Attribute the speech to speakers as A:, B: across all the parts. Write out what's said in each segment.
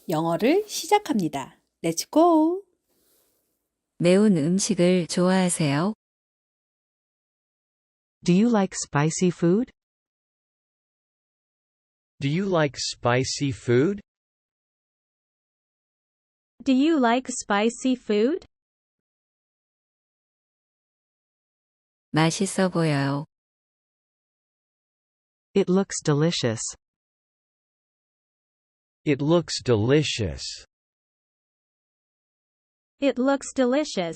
A: 영어를 시작합니다. Let's go!
B: 매운 음식을 좋아하세요?
C: Do you like spicy food?
D: Do you like spicy food?
E: Do you like spicy food?
B: 맛있어 보여요.
C: It looks delicious.
D: It looks delicious.
E: It looks delicious.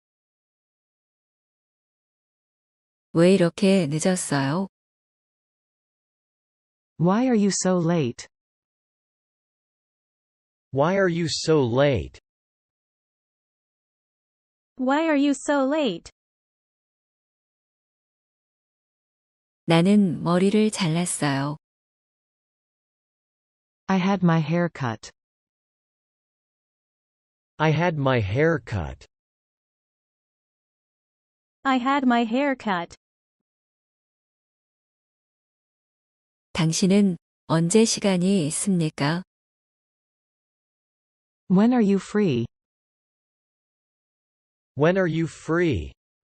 B: 왜 이렇게 늦었어요?
C: Why are you so late?
D: Why are you so late?
E: Why are you so late?
B: 나는 머리를 잘랐어요.
C: I had my hair cut.
D: I had my hair cut.
E: I had my hair cut.
B: 당신은 언제 시간이 있습니까?
C: When are you free?
D: When are you free?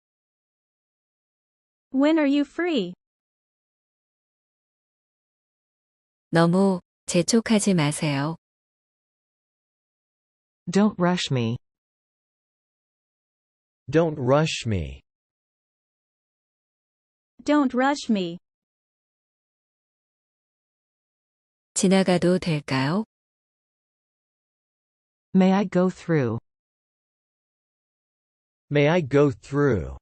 E: When are you free?
B: 너무 재촉하지 마세요.
C: Don't rush me.
D: Don't rush me.
E: Don't rush me.
B: 지나가도 될까요?
C: May I go through?
D: May I go through?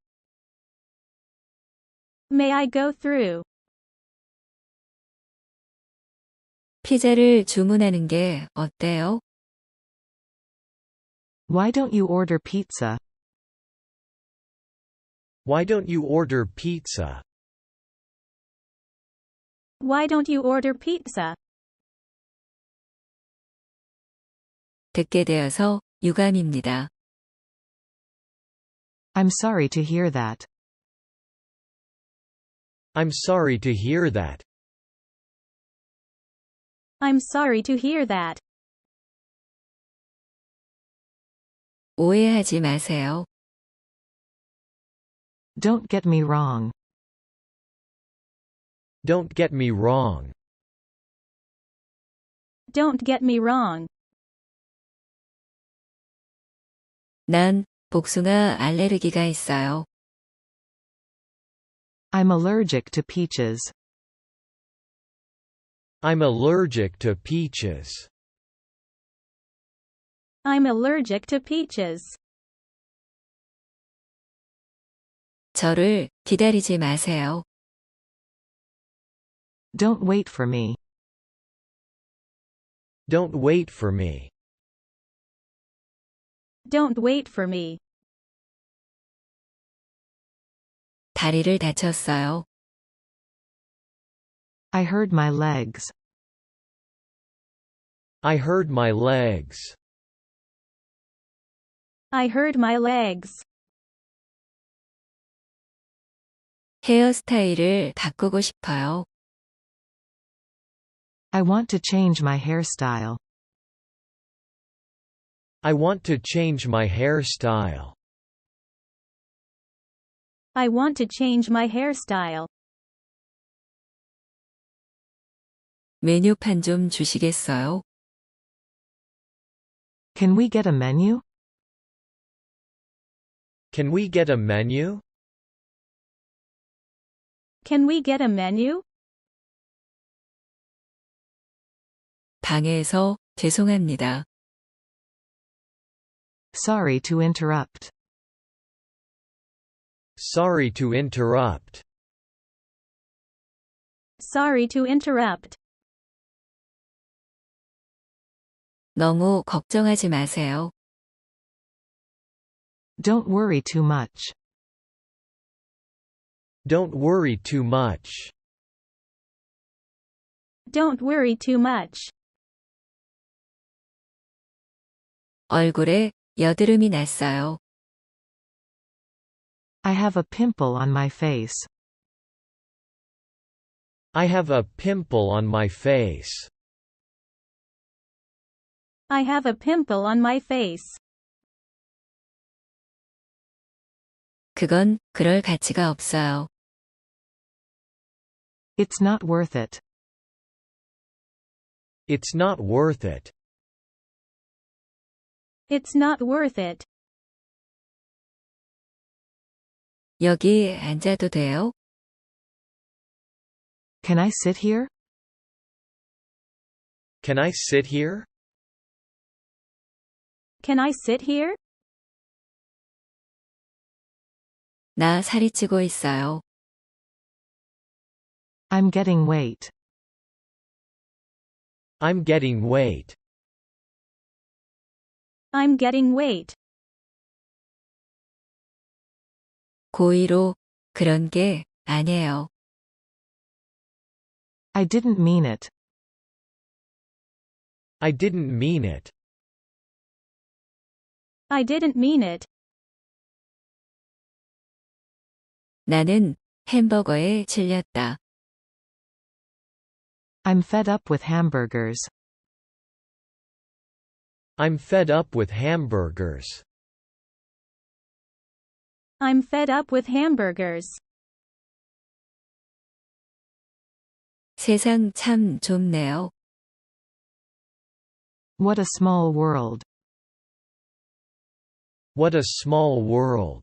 E: May I go through?
B: 피자를 주문하는 게 어때요?
C: Why don't you order pizza?
D: Why don't you order pizza?
E: Why don't you order pizza?
B: 듣게 되어서 유감입니다.
C: I'm sorry to hear that.
D: I'm sorry to hear that.
E: I'm sorry to hear that.
B: 오해하지 마세요.
C: Don't get me wrong.
D: Don't get me wrong.
E: Don't get me wrong.
B: 난 복숭아 알레르기가 있어요.
C: I'm allergic to peaches.
D: I'm allergic to peaches.
E: I'm allergic to peaches.
B: 저를 기다리지 마세요.
C: Don't wait for me.
D: Don't wait for me.
E: Don't wait for me.
B: 다리를 다쳤어요.
C: I hurt my legs.
D: I hurt my legs.
E: I hurt my legs.
B: 헤어스타일을 바꾸고 싶어요.
C: I want to change my hairstyle.
D: I want to change my hairstyle.
E: I want to change my hairstyle.
B: 메뉴판 좀 주시겠어요?
C: Can we get a menu?
D: Can we get a menu?
E: Can we get a menu?
B: 방해해서 죄송합니다.
C: Sorry to interrupt.
D: Sorry to interrupt.
E: Sorry to interrupt.
B: 너무 걱정하지 마세요.
C: Don't worry too much.
D: Don't worry too much.
E: Don't worry too much.
B: 얼굴에 여드름이 났어요.
C: I have a pimple on my face.
D: I have a pimple on my face.
E: I have a pimple on my face.
B: 그건 그럴 가치가 없어요.
C: It's not worth it.
D: It's not worth it.
E: It's not worth it.
B: 여기 앉아도 돼요?
C: Can I sit here?
D: Can I sit here?
E: Can I sit here?
B: 나 살이 찌고 있어요.
C: I'm getting weight.
D: I'm getting weight.
E: I'm getting weight.
B: 고의로 그런 게 아니에요.
C: I didn't mean it.
D: I didn't mean it.
E: I didn't mean it.
B: 나는 햄버거에 질렸다.
C: I'm fed up with hamburgers.
D: I'm fed up with hamburgers.
E: I'm fed up with hamburgers.
B: 세상 참 좁네요.
C: What a small world.
D: What a small world.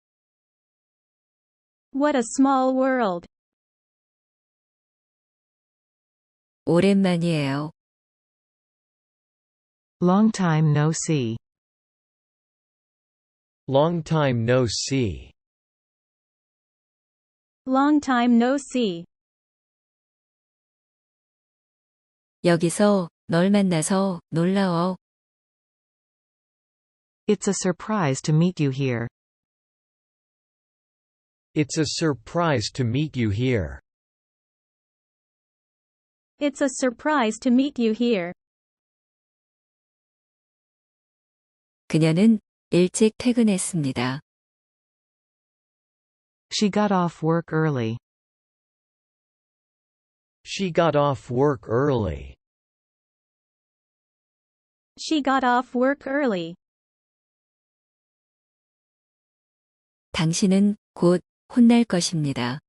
E: What a small world.
B: 오랜만이에요.
C: Long time no see.
D: Long time no see.
E: Long time no see.
B: 여기서 널 만나서 놀라워.
C: It's a surprise to meet you here.
D: It's a surprise to meet you here.
E: It's a surprise to meet you here.
B: 그녀는 일찍 퇴근했습니다.
C: She got off work early.
D: She got off work early.
E: She got off work early.
B: 당신은 곧 혼날 것입니다.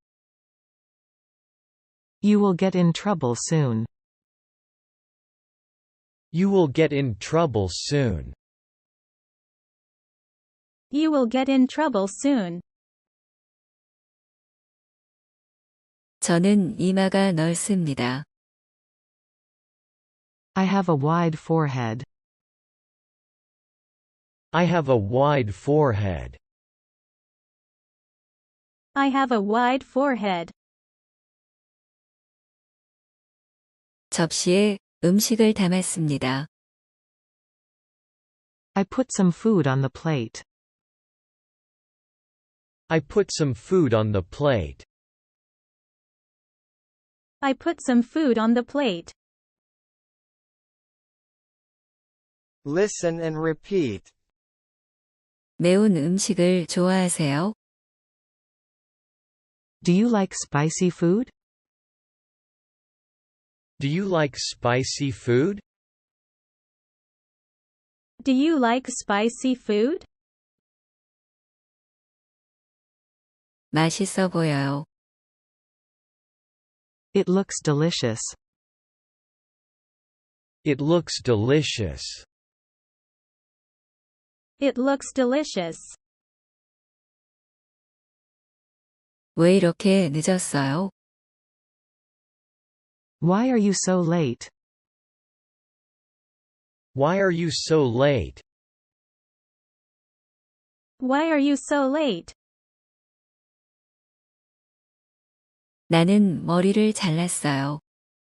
C: You will get in trouble soon.
D: You will get in trouble soon.
E: You will get in trouble soon.
B: 저는 이마가 넓습니다.
C: I have a wide forehead.
D: I have a wide forehead.
E: I have a wide forehead.
B: 접시에 음식을 담았습니다.
C: I put some food on the plate.
D: I put some food on the plate.
E: I put some food on the plate.
F: Listen and repeat.
B: 매운 음식을 좋아하세요?
C: Do you like spicy food?
D: Do you like spicy food?
E: Do you like spicy food?
B: 맛있어 보여요.
C: It looks delicious.
D: It looks delicious.
E: It looks delicious.
B: 왜 이렇게 늦었어요?
C: Why are you so late?
D: Why are you so late?
E: Why are you so late?
B: 나는 머리를 잘랐어요.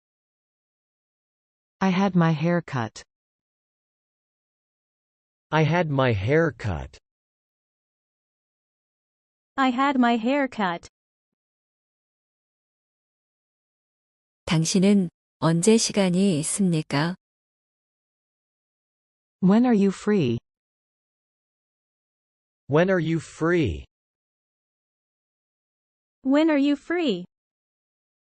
C: I had my hair cut.
D: I had my hair cut.
E: I had my hair cut.
B: 당신은 언제 시간이 있습니까?
C: When are you free?
D: When are you free?
E: When are you free?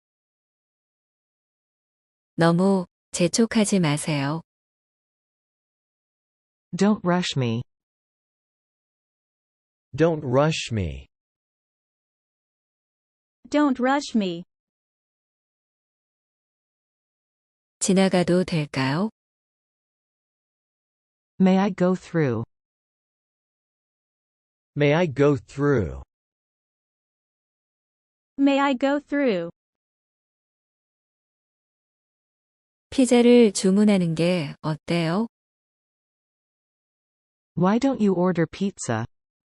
B: 너무 재촉하지 마세요.
C: Don't rush me.
D: Don't rush me.
E: Don't rush me.
B: 지나가도 될까요?
C: May I go through?
D: May I go through?
E: May I go through?
B: 피자를 주문하는 게 어때요?
C: Why don't you order pizza?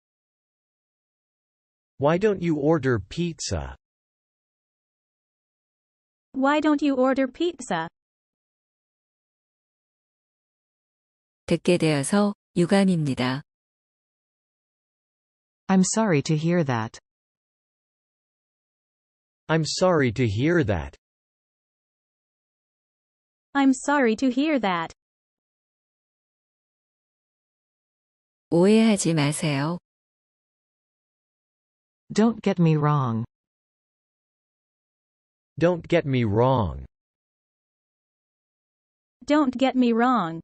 D: Why don't you order pizza?
E: Why don't you order pizza?
B: 듣게 되어서 유감입니다.
C: I'm sorry to hear that.
D: I'm sorry to hear that.
E: I'm sorry to hear that.
B: 오해하지 마세요.
C: Don't get me wrong.
D: Don't get me wrong.
E: Don't get me wrong.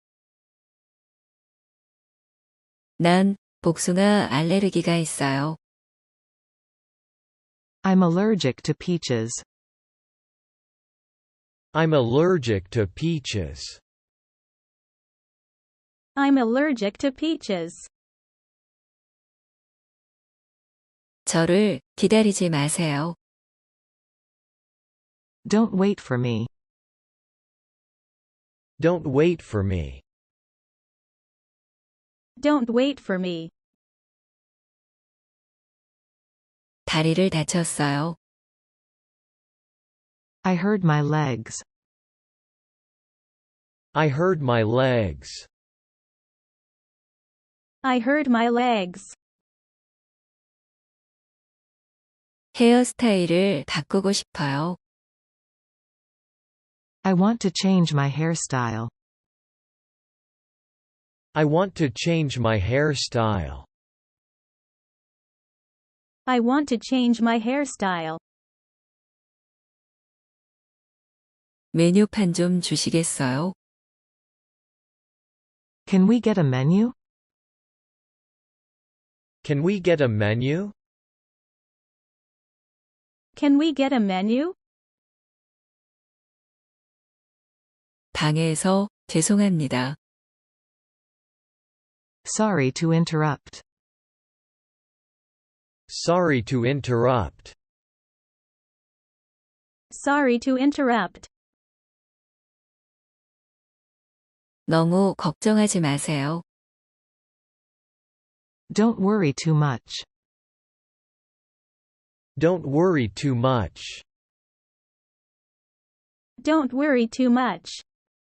B: 난 복숭아 알레르기가 있어요.
C: I'm allergic to peaches.
D: I'm allergic to peaches.
E: I'm allergic to peaches.
B: 저를 기다리지 마세요.
C: Don't wait for me.
D: Don't wait for me.
E: Don't wait for me.
B: 다리를 다쳤어요.
C: I hurt my legs.
D: I hurt my legs.
E: I hurt my legs.
B: 헤어스타일을 바꾸고 싶어요.
C: I want to change my hairstyle.
D: I want to change my hairstyle.
E: I want to change my hairstyle.
B: 메뉴판 좀 주시겠어요?
C: Can we get a menu?
D: Can we get a menu?
E: Can we get a menu?
B: 방해해서 죄송합니다.
C: Sorry to interrupt.
D: Sorry to interrupt.
E: Sorry to interrupt.
B: 너무 걱정하지 마세요.
C: Don't worry too much.
D: Don't worry too much.
E: Don't worry too much.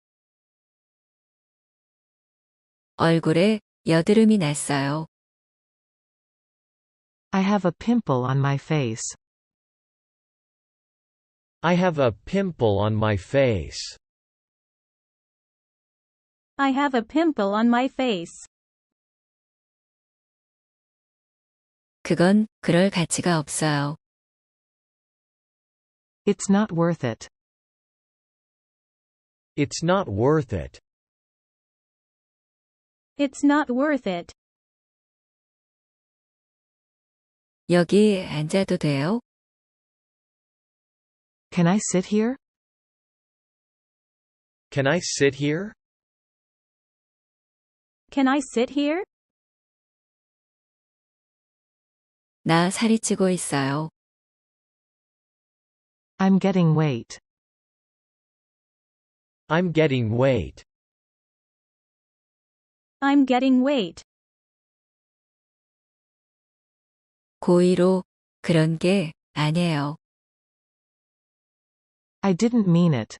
B: 얼굴에 여드름이 났어요.
C: I have a pimple on my face.
D: I have a pimple on my face.
E: I have a pimple on my face.
B: 그건 그럴 가치가 없어요.
C: It's not worth it.
D: It's not worth it.
E: It's not worth it.
B: 여기 앉아도 돼요?
C: Can I sit here?
D: Can I sit here?
E: Can I sit here?
B: 나 살이 찌고 있어요.
C: I'm getting weight.
D: I'm getting weight.
E: I'm getting weight.
B: 고의로 그런 게 아니에요.
C: I didn't mean it.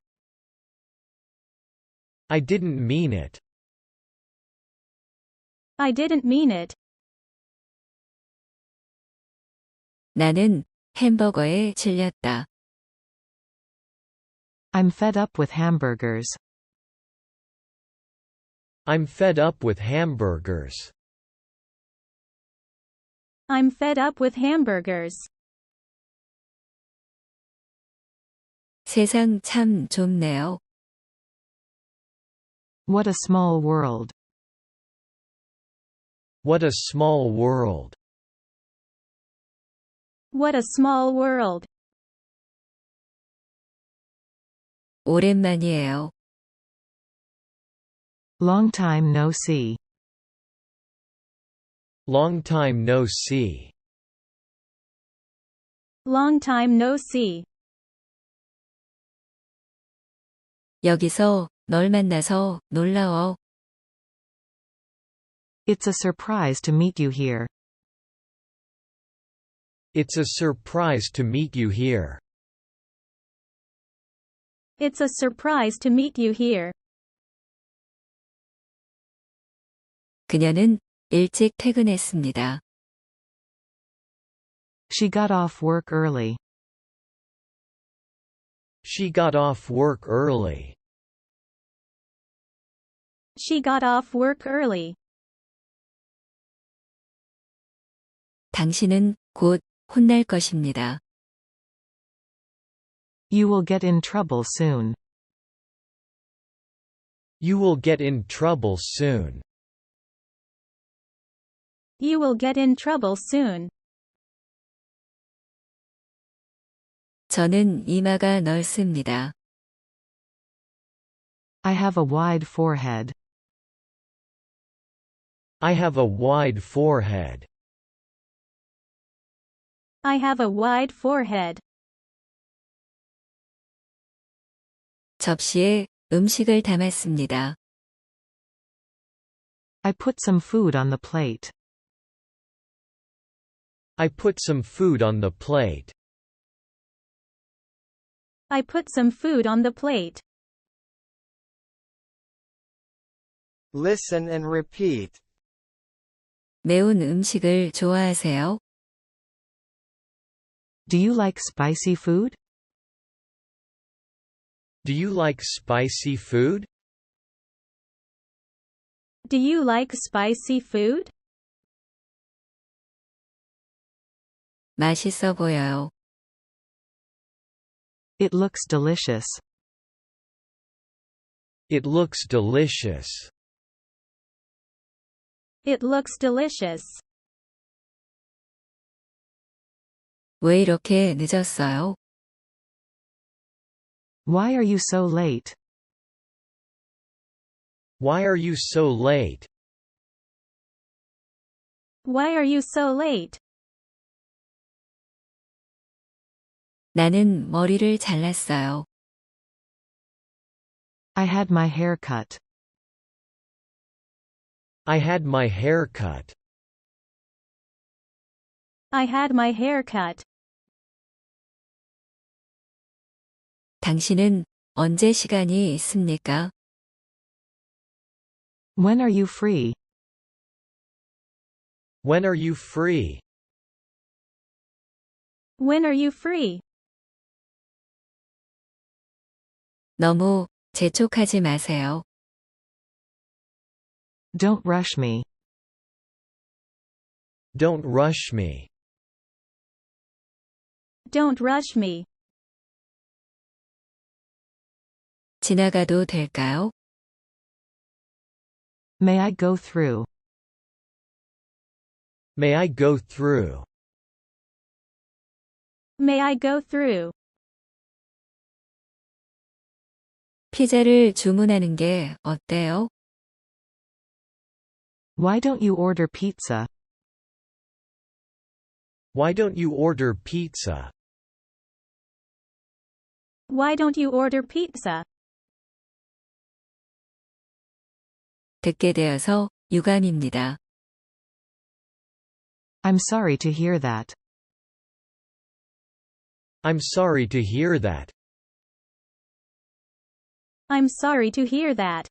D: I didn't mean it.
E: I didn't mean it.
B: 나는 햄버거에 질렸다.
C: I'm fed up with hamburgers.
D: I'm fed up with hamburgers.
E: I'm fed up with hamburgers.
B: 세상 참 좁네요.
C: What a small world.
D: What a small world.
E: What a small world.
B: 오랜만이에요.
C: Long time no see.
D: Long time no see.
E: Long time no see.
B: 여기서 널 만나서 놀라워.
C: It's a surprise to meet you here.
D: It's a surprise to meet you here.
E: It's a surprise to meet you here.
B: 그녀는 일찍 퇴근했습니다.
C: She got off work early.
D: She got off work early.
E: She got off work early.
B: 당신은 곧 혼날 것입니다.
C: You will get in trouble soon.
D: You will get in trouble soon.
E: You will get in trouble soon.
B: 저는 이마가 넓습니다.
C: I have a wide forehead.
D: I have a wide forehead.
E: I have a wide forehead.
B: 접시에 음식을 담았습니다.
C: I put some food on the plate.
D: I put some food on the plate.
E: I put some food on the plate.
F: Listen and repeat.
B: 매운 음식을 좋아하세요?
C: Do you like spicy food?
D: Do you like spicy food?
E: Do you like spicy food?
B: 맛있어 보여요.
C: It looks delicious.
D: It looks delicious.
E: It looks delicious.
B: 왜 이렇게 늦었어요?
C: Why are you so late?
D: Why are you so late?
E: Why are you so late?
B: 나는 머리를 잘랐어요.
C: I had my hair cut.
D: I had my hair cut.
E: I had my hair cut.
B: 당신은 언제 시간이 있습니까?
C: When are you free?
D: When are you free?
E: When are you free?
B: 너무 재촉하지 마세요.
C: Don't rush me.
D: Don't rush me.
E: Don't rush me.
B: 지나가도 될까요?
C: May I go through?
D: May I go through?
E: May I go through?
B: 피자를 주문하는 게 어때요?
C: Why don't you order pizza?
D: Why don't you order pizza?
E: Why don't you order pizza?
B: 듣게 되어서 유감입니다.
C: I'm sorry to hear that.
D: I'm sorry to hear that.
E: I'm sorry to hear that.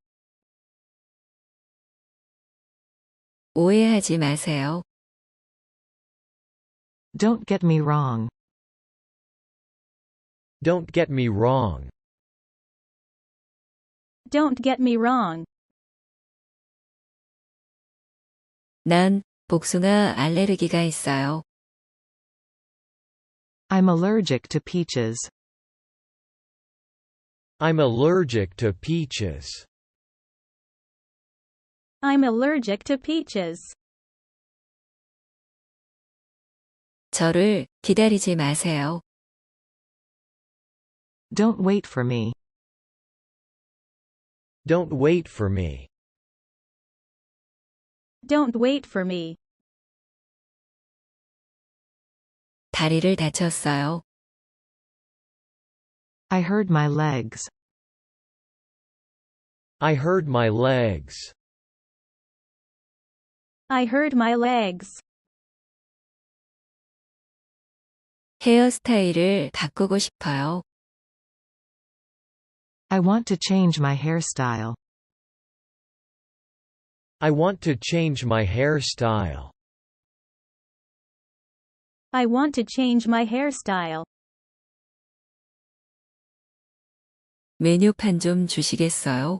B: 오해하지 마세요.
C: Don't get me wrong.
D: Don't get me wrong.
E: Don't get me wrong.
B: 난 복숭아 알레르기가 있어요.
C: I'm allergic to peaches.
D: I'm allergic to peaches.
E: I'm allergic to peaches.
B: 저를 기다리지 마세요.
C: Don't wait for me.
D: Don't wait for me.
E: Don't wait for me.
B: 다리를 다쳤어요.
C: I hurt my legs.
D: I hurt my legs.
E: I hurt my legs.
B: 헤어스타일을 바꾸고 싶어요.
C: I want to change my hairstyle.
D: I want to change my hairstyle.
E: I want to change my hairstyle.
B: 메뉴판 좀 주시겠어요?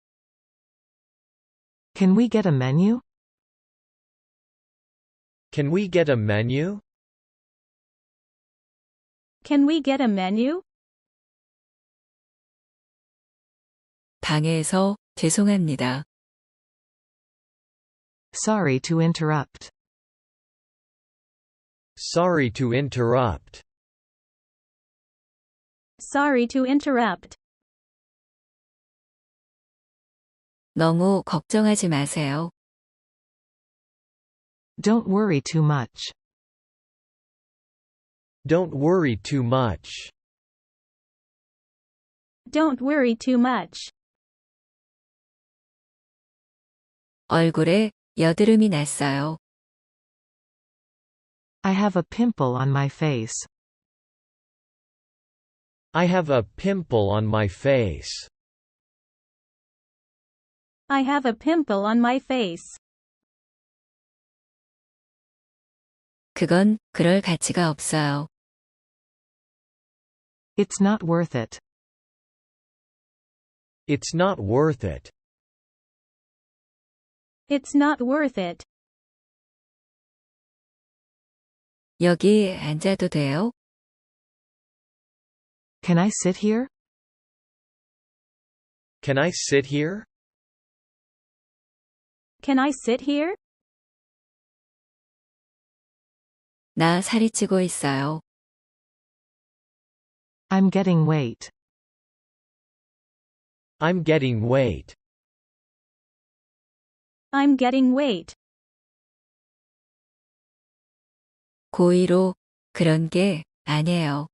C: Can we get a menu?
D: Can we get a menu?
E: Can we get a menu?
B: 방해해서 죄송합니다.
C: Sorry to interrupt.
D: Sorry to interrupt.
E: Sorry to interrupt.
B: 너무 걱정하지 마세요.
C: Don't worry too much.
D: Don't worry too much.
E: Don't worry too much.
B: 얼굴에 여드름이 났어요.
C: I have a pimple on my face.
D: I have a pimple on my face.
E: I have a pimple on my face.
B: 그건 그럴 가치가 없어요.
C: It's not worth it.
D: It's not worth it.
E: It's not worth it.
B: 여기 앉아도 돼요?
C: Can I sit here?
D: Can I sit here?
E: Can I sit here?
B: 나 살이 찌고 있어요.
C: I'm getting weight.
D: I'm getting weight.
E: I'm getting weight.
B: 고의로 그런 게 아니에요.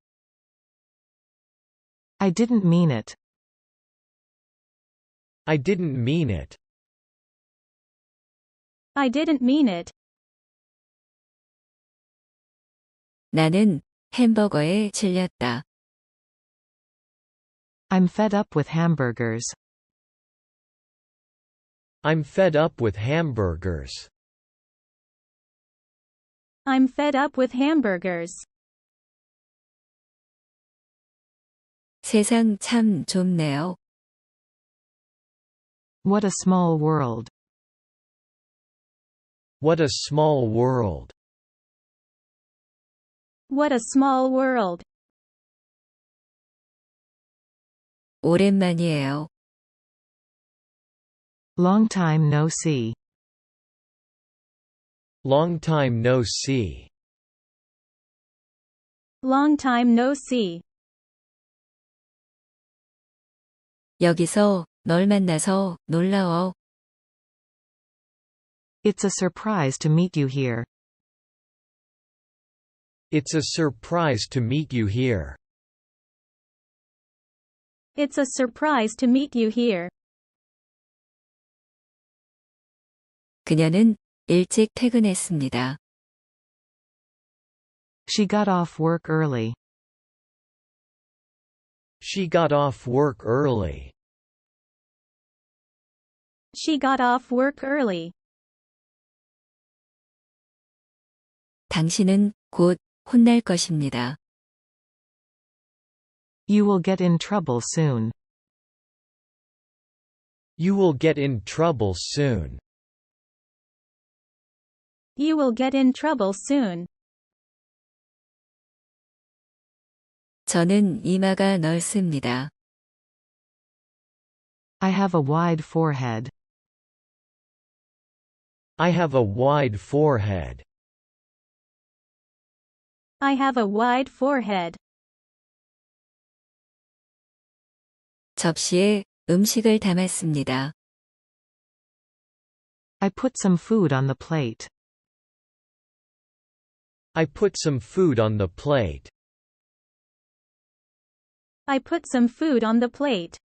C: I didn't mean it.
D: I didn't mean it.
E: I didn't mean it.
B: 나는 햄버거에 질렸다.
C: I'm fed up with hamburgers.
D: I'm fed up with hamburgers.
E: I'm fed up with hamburgers.
B: 세상 참 좁네요.
C: What a small world.
D: What a small world.
E: What a small world.
B: 오랜만이에요.
C: Long time no see.
D: Long time no see.
E: Long time no see.
B: 여기서 널 만나서 놀라워.
C: It's a surprise to meet you here.
D: It's a surprise to meet you here.
E: It's a surprise to meet you here.
B: 그녀는 일찍 퇴근했습니다.
C: She got off work early.
D: She got off work early.
E: She got off work early.
B: 당신은 곧 혼날 것입니다.
C: You will get in trouble soon.
D: You will get in trouble soon.
E: You will get in trouble soon.
B: 저는 이마가 넓습니다.
C: I have a wide forehead.
D: I have a wide forehead.
E: I have a wide forehead.
B: 접시에 음식을 담았습니다.
C: I put some food on the plate.
D: I put some food on the plate.
E: I put some food on the plate.